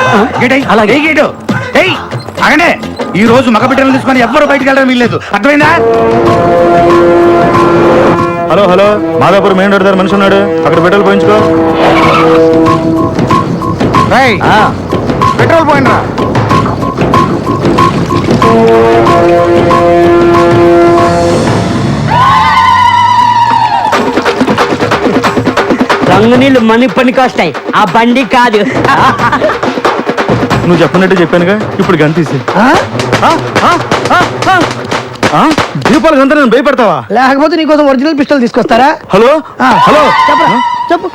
అలాగే అగనే ఈ రోజు మగ బిడ్డలు తీసుకొని ఎవ్వరు బయటకు వెళ్ళడం వీల్లేదు, అర్థమైందా? Hello hello, Madhapur main road దగ్గర మనిషి ఉన్నాడు, అక్కడ పెట్రోల్ పోయించుకో. పెట్రోల్ పోయినరా? రంగు నీళ్ళు మనీ పనికి వస్తాయి, ఆ బండి కాదు. నువ్వు చెప్పినట్టు చెప్పానుగా, ఇప్పుడు గన్ తీసి దీపాలు గంత నేను భయపడతావా? లేకపోతే నీకోసం ఒరిజినల్ పిస్టల్ తీసుకొస్తారా? హలో హలో, చెప్పరా చెప్పు.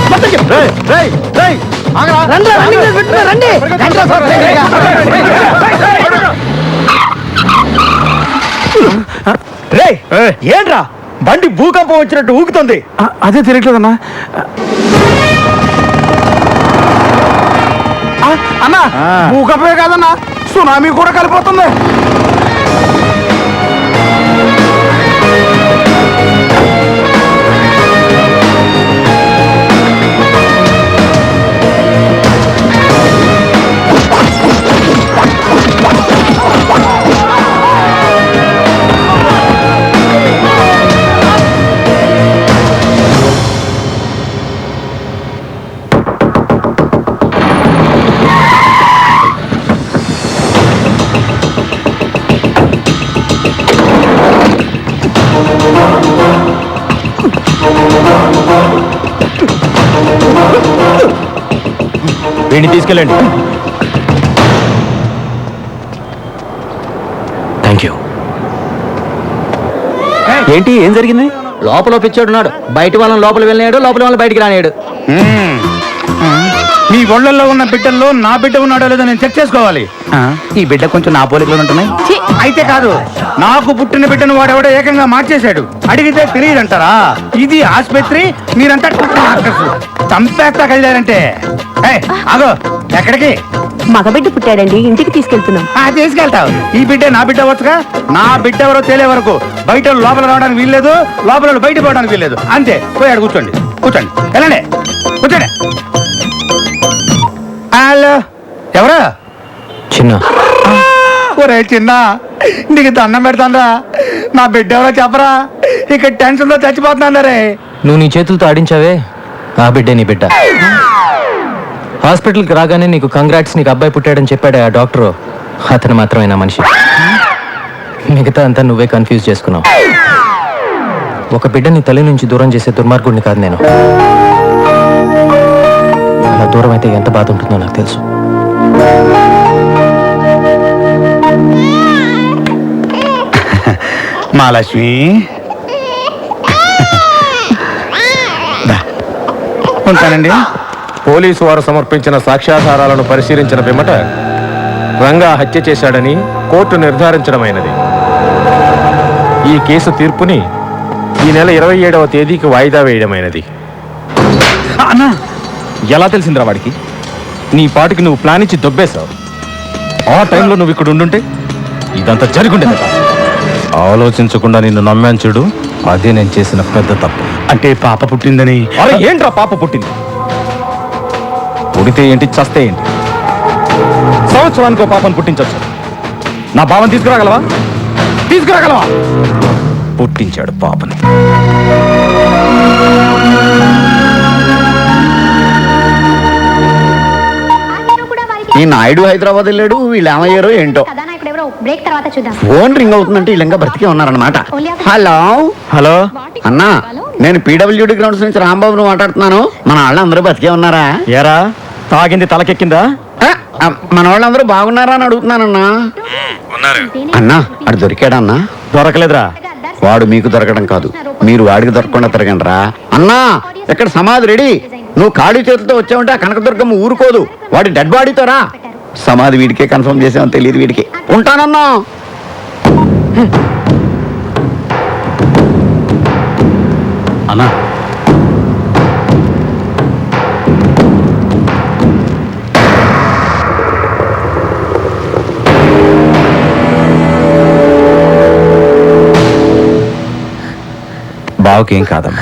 ఏంట్రా బండి భూకంపం వచ్చినట్టు ఊగుతుంది? అదే తిరగట్లేదన్నా. అన్నా భూకంపమే కాదన్నా, సునామీ కూడా కలిపోతుంది. వీడిని తీసుకెళ్ళండి. Thank you. ఏంటి, ఏం జరిగింది? లోపల పిచ్చోడున్నాడు, బయట వాళ్ళని లోపల వెళ్ళినాడు, లోపల వాళ్ళని బయటికి రానేడు. మీ ఒళ్ళల్లో ఉన్న బిడ్డల్లో నా బిడ్డ ఉన్నాడో లేదో నేను చెక్ చేసుకోవాలి. ఈ బిడ్డ కొంచెం నా పోలికలు ఉంటున్నాయి. అయితే కాదు, నాకు పుట్టిన బిడ్డను వాడెవడో ఏకంగా మార్చేశాడు. అడిగితే తెలియదంటారా? ఇది ఆసుపత్రి, మీరంతా చంపేస్తా కదిలారంటే. ఆగో, ఎక్కడికి? మగబిడ్డ పుట్టాడండి, ఇంటికి తీసుకెళ్తున్నాం. తీసుకెళ్తావు. ఈ బిడ్డ నా బిడ్డ వచ్చుగా. నా బిడ్డ ఎవరో తేలే వరకు బయట లోపల రావడానికి వీల్లేదు, లోపల బయట పోవడానికి వీల్లేదు. అంతే. పోయాడు, కూర్చోండి కూర్చోండి, వెళ్ళండి కూర్చోండి. హలో, ఎవరా? చిన్న. ఒరే చిన్న, నీకు దండం పెడతాంరా, నా బిడ్డ ఎవరో చెప్పరా? ఇక్కడ టెన్షన్ తో చచ్చిపోతున్నా రే. నువ్వు నీ చేతులతో ఆడించావే, ఆ బిడ్డే నీ బిడ్డ. హాస్పిటల్కి రాగానే నీకు కంగ్రాట్స్, నీకు అబ్బాయి పుట్టాడని చెప్పాడే ఆ డాక్టరు, అతను మాత్రమే నా మనిషి. మిగతా అంతా నువ్వే కన్ఫ్యూజ్ చేసుకున్నావు. ఒక బిడ్డని తల్లి నుంచి దూరం చేసే దుర్మార్గుడిని కాదు నేను. అలా దూరం అయితే ఎంత బాధ ఉంటుందో నాకు తెలుసు. మహాలక్ష్మి, ఉంటానండి. పోలీసు వారు సమర్పించిన సాక్ష్యాధారాలను పరిశీలించిన పిమ్మట రంగా హత్య చేశాడని కోర్టు నిర్ధారించడమైనది. ఈ కేసు తీర్పుని ఈ నెల 27వ తేదీకి వాయిదా వేయడమైనది. అన్నా, ఎలా తెలిసిందిరా వాడికి? నీ పాటికి నువ్వు ప్లాన్ ఇచ్చి దొబ్బేశావు. ఆ టైంలో నువ్వు ఇక్కడ ఉండుంటే ఇదంతా జరుగుండేది. ఆలోచించకుండా నిన్ను నమ్మాను చూడు, అదే నేను చేసిన పెద్ద తప్పు. అంటే పాప పుట్టిందని? అరే ఏంట్రా పాప పుట్టింది? పుడితే ఏంటి, చస్తే ఏంటి? సంవత్సరానికి ఓ పాపను పుట్టించవచ్చు. నా బావని తీసుకురాగలవా? తీసుకురాగలవా? పుట్టించాడు పాపని. ఈ నాయుడు హైదరాబాద్ వెళ్ళాడు, వీళ్ళు ఏమయ్యారో ఏంటో. ఫోన్ రింగ్ అవుతుందంటే వీళ్ళంగా బ్రతికే ఉన్నారనమాట. హలో హలో అన్నా, నేను పీడబ్ల్యూడి గ్రౌండ్స్ నుంచి రాంబాబును మాట్లాడుతున్నాను. మన వాళ్ళందరూ బతికే ఉన్నారా? ఏరా, తాగింది తలకెక్కిందా? మన వాళ్ళందరూ బాగున్నారా అని అడుగుతున్నానన్నా. అన్నా, అడు దొరికాడన్నా? దొరకలేదురా. వాడు మీకు దొరకడం కాదు, మీరు వాడికి దొరకకుండా తిరగండి రా. అన్నా, ఇక్కడ సమాధి రెడీ. నువ్వు ఖాళీ చేతులతో వచ్చావంటే ఆ కనకదుర్గమ్మ ఊరుకోదు. వాడి డెడ్ బాడీతో రా. సమాధి వీడికే కన్ఫర్మ్ చేసామని తెలియదు వీడికి. ఉంటానన్నా. అన్నా, బావకేం కాదమ్మా,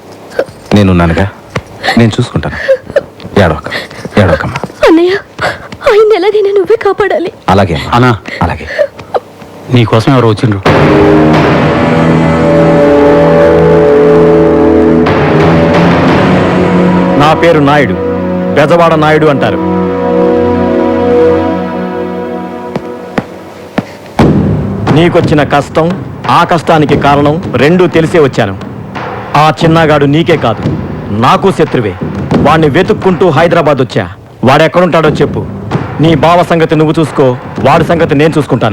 నేనున్నానుగా, నేను చూసుకుంటాను. ఏడవకమ్మా. అన్నయ్య ఆయన ఎలాగైనా నువ్వే కాపాడాలి. అలాగే అన్నా అలాగే. నీకోసం ఎవరు వచ్చిండ్రు? నా పేరు నాయుడు, బెజవాడ నాయుడు అంటారు. నీకొచ్చిన కష్టం, ఆ కష్టానికి కారణం రెండూ తెలిసే వచ్చాను. ఆ చిన్నగాడు నీకే కాదు, నాకు శత్రువే. వాణ్ణి వెతుక్కుంటూ హైదరాబాద్ వచ్చా. వాడెక్కడుంటాడో చెప్పు. నీ బావ సంగతి నువ్వు చూసుకో, వాడి సంగతి నేను చూసుకుంటాను.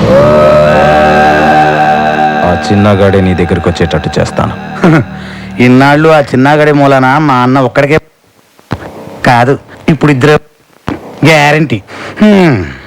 ఆ చిన్నగాడే నీ దగ్గరికి వచ్చేటట్టు చేస్తాను. ఇన్నాళ్ళు ఆ చిన్నగడే మూలన మా అన్న ఒక్కడికే కాదు, ఇప్పుడు ఇద్దరు గ్యారంటీ.